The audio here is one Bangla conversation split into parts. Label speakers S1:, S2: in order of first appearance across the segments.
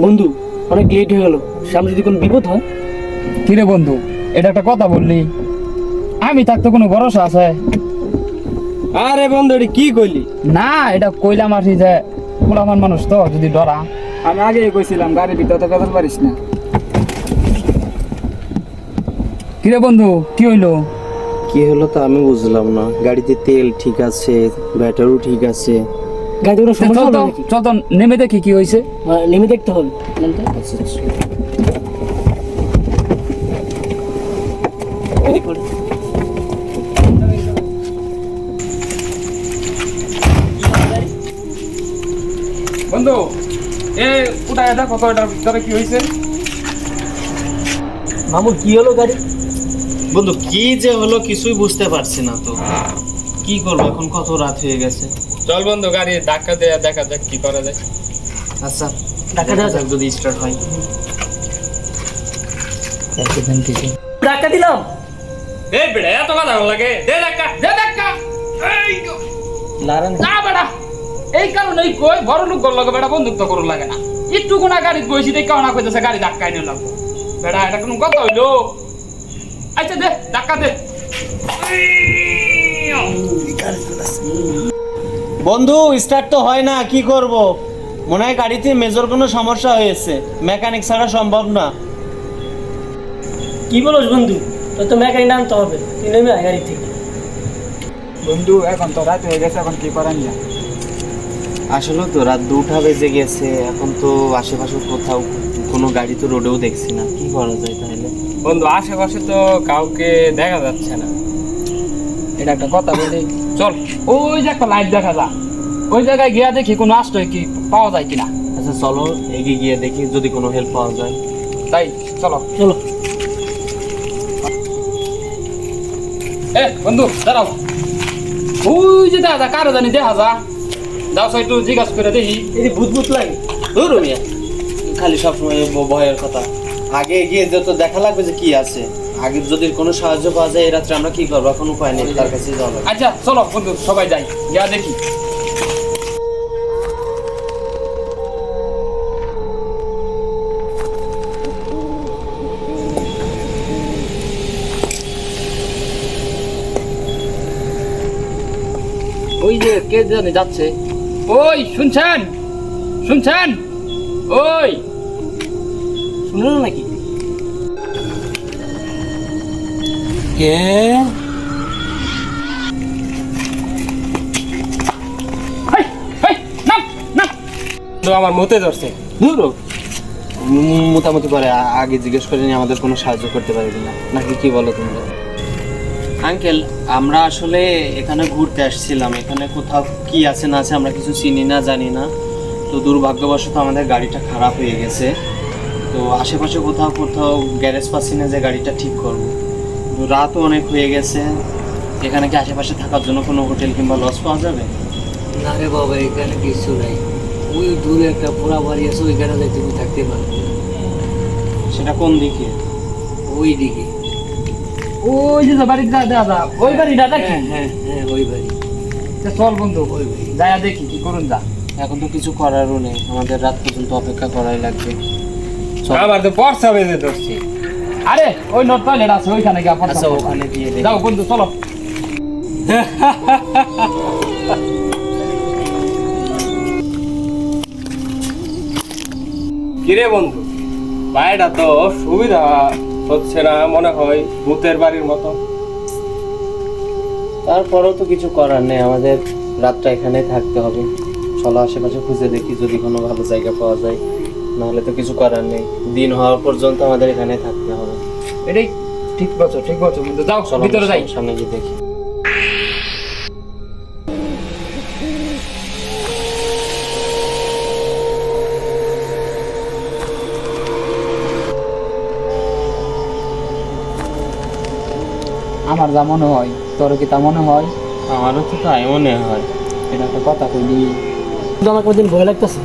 S1: বন্ধু অনেক লেট হয়ে গেল, সামনে যদি কোনো বিপদ হয়।
S2: কিরে বন্ধু, এটা একটা কথা বললি, আমি থাকতে কোনো ভরসা আছে?
S1: আরে বন্ধু এটা কি কইলি?
S2: না, এটা কইলাম আর যে পোলামান মানুষ তো যদি ডরা।
S3: আমি আগে কইছিলাম গাড়ির ভিতরে তো কথা পারিস না।
S2: কিরে বন্ধু, কি হইলো?
S4: কি হলো তা আমি বুঝলাম না। গাড়িতে তেল ঠিক আছে, ব্যাটারিও ঠিক আছে।
S1: গাড়িতে কোনো সমস্যা
S2: চল
S1: হবে
S2: তো,
S1: নাকি?
S2: চল তো নেমে দেখি কি হয়েছে।
S1: নেমে দেখতে হবে।
S4: আচ্ছা আচ্ছা।
S2: বন্ধু এ উঠায় দেখো তো এটার ভিতরে কি হয়েছে।
S1: মামুর কি হলো গাড়ি?
S4: বন্ধু কি যে হলো কিছুই বুঝতে পারছি না তো। কি করবো এখন, কত রাত হয়ে গেছে।
S2: চল বন্ধু গাড়ি ধাক্কা দিয়ে দেখা যাক কি করা যায়।
S4: আচ্ছা
S1: ধাক্কা দেওয়া যাক।
S4: যদি স্টার্ট হয়।
S1: ধাক্কা দিলাম।
S2: এই বেড়া এত কথা লাগে, দে ধাক্কা, দে ধাক্কা। এই তো।
S1: লারান
S2: না বেড়া, এই কারণেই কই বড় লোক গল লাগে বেড়া, বন্ধুত্ব করুন লাগে না। একটু কোনা গাড়ি বসি দেখে না কইতেছে গাড়ি ধাক্কাই নিয়ে লাগবো। বেড়া এটা কোনো কথা হইলো? আচ্ছা দে ধাক্কা দে।
S4: বন্ধু স্টার্ট তো হয় না, কি করব? মনে হয় গাড়িতে মেজর কোনো সমস্যা হয়েছে, মেকানিক ছাড়া সম্ভব না।
S1: কি বলছ বন্ধু? তোর তো মেকানিক আনতে হবে, তুই নেমে আয় গাড়ি থেকে।
S3: বন্ধু এখন তো রাত হয়ে গেছে, এখন কি করার না।
S4: আসলে তো রাত 2টা বেজে গেছে, এখন তো আশেপাশে কোথাও কোনো গাড়ি তো রোডেও দেখছি না। কি করা যায় তাহলে?
S2: বন্ধু আশেপাশে তো কাউকে দেখা যাচ্ছে না। এটা একটা কথা বলি, চল ওই যে একটা লাইট দেখা যা, ওই জায়গায় গিয়া দেখি কোনো আশ্রয় কি পাওয়া যায় কিনা।
S4: আচ্ছা চলো এগিয়ে গিয়ে দেখি যদি কোনো হেল্প পাওয়া যায়।
S2: তাই চলো
S1: চলো।
S2: এ বন্ধু দাঁড়াও, ওই যে দেখা যা কারো জানি দেখা যা, যাও সো একটু জিজ্ঞাসা করে দেখি।
S1: এই ভূত ভূত লাগে।
S4: ধুর মিয়া, খালি সবসময় ভয়ের কথা। আগে এগিয়ে যেত, দেখা লাগবে যে কি আছে। আগে যদি কোনো সাহায্য পাওয়া যায় এই রাত্রে আমরা কি করবো? এখন উপায় নেই, তার কাছে যাওয়া লাগবে।
S2: আচ্ছা চলো বন্ধু সবাই যাই, গিয়া দেখি। ওই যে কে জানে যাচ্ছে। ওই শুনছেন, শুনছেন? ওই
S1: শুনলো না নাকি?
S4: কে?
S2: হেই, হেই, নাম, নাম। তো আমার মতে ধরছে।
S4: ধুর মোটামুটি পরে আগে জিজ্ঞেস করে নিয়ে আমাদের কোনো সাহায্য করতে পারবি না নাকি, কি বলো তোমরা? আঙ্কেল আমরা আসলে এখানে ঘুরতে আসছিলাম, এখানে কোথাও কি আছে না আছে আমরা কিছু চিনি না জানি না। তো দুর্ভাগ্যবশত আমাদের গাড়িটা খারাপ হয়ে গেছে। তো আশেপাশে কোথাও কোথাও গ্যারেজ পাচ্ছি না যে গাড়িটা ঠিক করবো। রাতও অনেক হয়ে গেছে। এখানে কি আশেপাশে থাকার জন্য কোনো হোটেল কিংবা লজ পাওয়া যাবে?
S1: না রে বাবা, এখানে কিছু নাই। ওই দূরে একটা পোড়া বাড়ি আছে, ওইখানে যাই তুমি থাকতে পারবে।
S4: সেটা কোন দিকে?
S1: ওই দিকে।
S2: ওই যে বাড়ি দেখা যা, ওই বাড়িটা দেখি।
S1: হ্যাঁ হ্যাঁ হ্যাঁ, ওই বাড়ি।
S2: চল বন্ধু যাইয়া দেখি কি করুন যা।
S4: এখন তো কিছু করারও নেই, আমাদের রাত পর্যন্ত অপেক্ষা করাই লাগবে। চল।
S2: আমার তো পর্সা বেজে ধরছি। আরে ওই নোট টয়লেট আছে, ওইখানে গিয়া পর্সা।
S4: আচ্ছা ওখানে দিয়ে দেখি।
S2: যাও বন্ধু চলো।
S5: কিরে বন্ধু, বাড়িটা তো সুবিধা হচ্ছে না মনে হয়, ভূতের বাড়ির মতো।
S4: তারপরেও তো কিছু করার নেই, আমাদের রাতটা এখানে থাকতে হবে। চলো আশেপাশে খুঁজে দেখি যদি কোনো ভালো জায়গা পাওয়া যায়, নাহলে তো কিছু করার নেই। দিন হওয়ার পর্যন্ত আমাদের এখানে থাকতে হবে।
S2: এটাই ঠিক বলছো, ঠিক বলছো বন্ধু। যাও
S4: চলো
S2: ভিতরে যাই।
S4: সামনে গিয়ে দেখি।
S2: আমার যা মনে হয়, তোর কি তা মনে হয়?
S4: আমারও তো তাই মনে হয়।
S2: এটা একটা কথা কইলি।
S1: কিন্তু আমার কোনদিন ভয় লাগতেছে।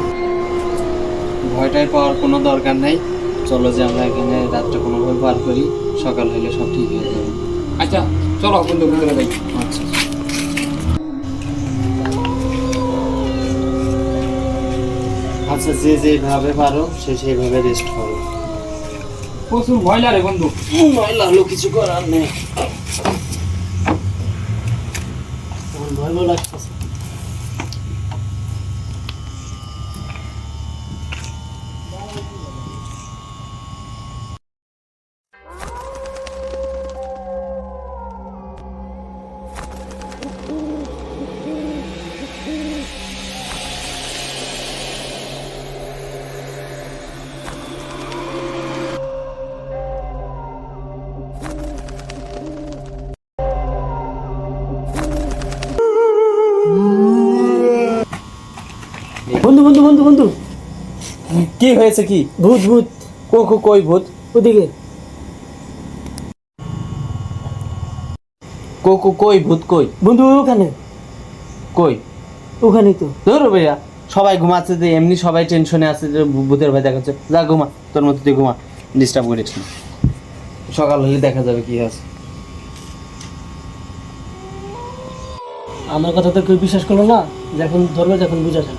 S4: ভয়টাই পাওয়ার কোনো দরকার নেই। চলো যে আমরা এখানে রাতটা কোনোভাবে পার করি, সকাল হলে সব ঠিক হয়ে যাবে।
S2: আচ্ছা চলো বন্ধু ভিতরে যাই।
S4: আচ্ছা আচ্ছা আচ্ছা, যে যেভাবে পারো সে সেইভাবে রেস্ট করো।
S2: প্রচুর ভয় লাগে বন্ধু।
S4: ময়লা হলো, কিছু করার নেই।
S1: আমার ভয় ভয় লাগতেছে। বন্ধু বন্ধু বন্ধু বন্ধু,
S4: কি হয়েছে? কি
S1: ভূত ভূত
S4: কই ভূত?
S1: ওদিকে।
S4: কই ভূত কই?
S1: বন্ধু ওখানে,
S4: কই?
S1: ওখানেই তো।
S4: ধরো ভাইয়া, সবাই ঘুমাচ্ছে, যে এমনি সবাই টেনশনে আছে যে ভূতের ভয় দেখাচ্ছে। যা ঘুমা, তোর মতো তুই ঘুমা, ডিস্টার্ব করিস না। সকাল হলে দেখা যাবে কি আছে।
S1: আমার কথা তো কেউ বিশ্বাস করলো না, যখন ধরবে যখন বুঝা যায়।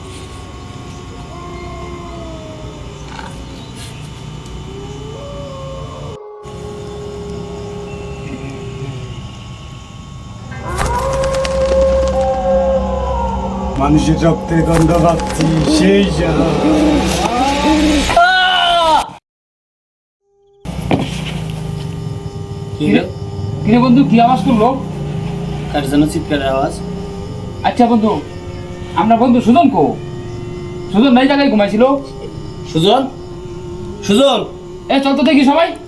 S3: মানুষের রক্তের গন্ধ পাচ্ছি, সেই যা।
S2: কিরে বন্ধু, কি আওয়াজ করলো?
S4: কার যেন চিৎকারের আওয়াজ।
S2: আচ্ছা বন্ধু, আমরা বন্ধু সুজন কো? সুজন নাই জায়গায় ঘুমাইছিল।
S4: সুজন, সুজন,
S2: এ চল তো দেখি সবাই।